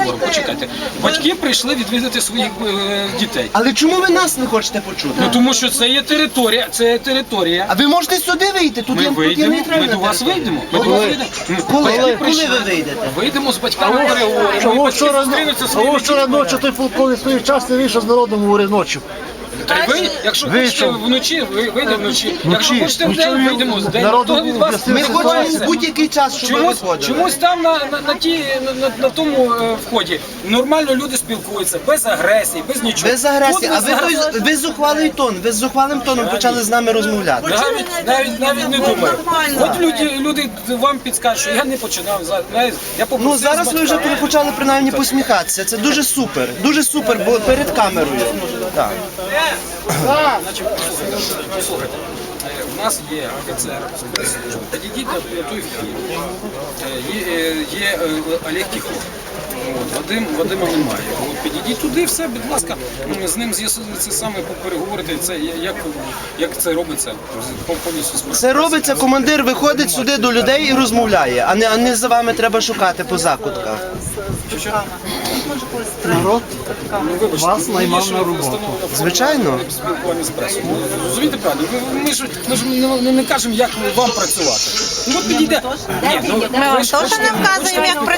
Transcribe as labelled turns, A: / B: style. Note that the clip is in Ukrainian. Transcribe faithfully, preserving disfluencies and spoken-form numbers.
A: говоримо. Почекайте. Батьки прийшли відвідати своїх е, дітей.
B: Але чому ви нас не хочете почути?
A: Ну тому що це є територія, це є територія.
B: А ви можете сюди вийти? Тут
A: Ми
B: є, тут є
A: вийдемо, ми
B: нейтральна
A: до вас
B: територія.
A: вийдемо. Ми до вас вийдемо. Ну,
B: Коли?
A: батьки
B: Коли
A: прийшли.
B: ви вийдете?
A: Вийдемо з батьками переговоримо. і
C: Чого
A: батьки
C: вчора,
A: зустрінуться зі
C: чого
A: своїми
C: вчора
A: дітьми.
C: ночі той полковник своїх час не вийшов з народом говорив ночі?
A: Та й ви, якщо хочете вночі, ви вийдемо вночі. Якщо хочете вдень, вийдемо з день.
C: Народу
A: Хто від вас
B: Ми
A: не
B: хочемо
A: відбувається?
B: в будь-який час, щоб ви
A: Чомусь,
B: виходили.
A: чомусь там на, на, на, ті, на, на, на тому е, вході нормально люди спілкуються, без агресії, без нічого.
B: Без агресії,
A: Тут
B: а ви,
A: зараз-
B: той- ви зухвалий тон, ви з зухвалим тоном почали з нами розмовляти.
A: Навіть, навіть, навіть не думаю. От люди, люди вам підскажуть, що я не починав. за- знаєте, Я попросив
B: Ну зараз
A: з
B: ви вже
A: батьками.
B: почали принаймні посміхатися. Це дуже супер. Дуже супер, бо перед камерою. Так.
A: Значить, послухайте, послухайте. Е, У нас є офіцер спецслужби. Підійдіть на той вхід. Е, Є, е, є е, Олег Тихо. От, Вадим, Вадима немає. От, підійдіть туди, все, будь ласка, м, з ним з'ясуйте це саме, переговорити, це, як, як це робиться з- повністю. з-
B: Це робиться, командир виходить сюди до людей і розмовляє, а не, а не за вами треба шукати по закутках.
C: Народ
A: Ну, вибачте,
C: вас
A: ну,
C: наймав
A: є ж
C: на роботу.
A: встановлена форма
B: Звичайно.
A: спілкування з пресою. Ну, Розумієте правильно? Ви- Ми ж, ми ж не, не, не кажемо, як вам працювати. Ну, от підійде. Ні, ну,
D: Ми вам
A: ви ж
D: теж
A: хочете-
D: не вказуємо, як
A: ви ж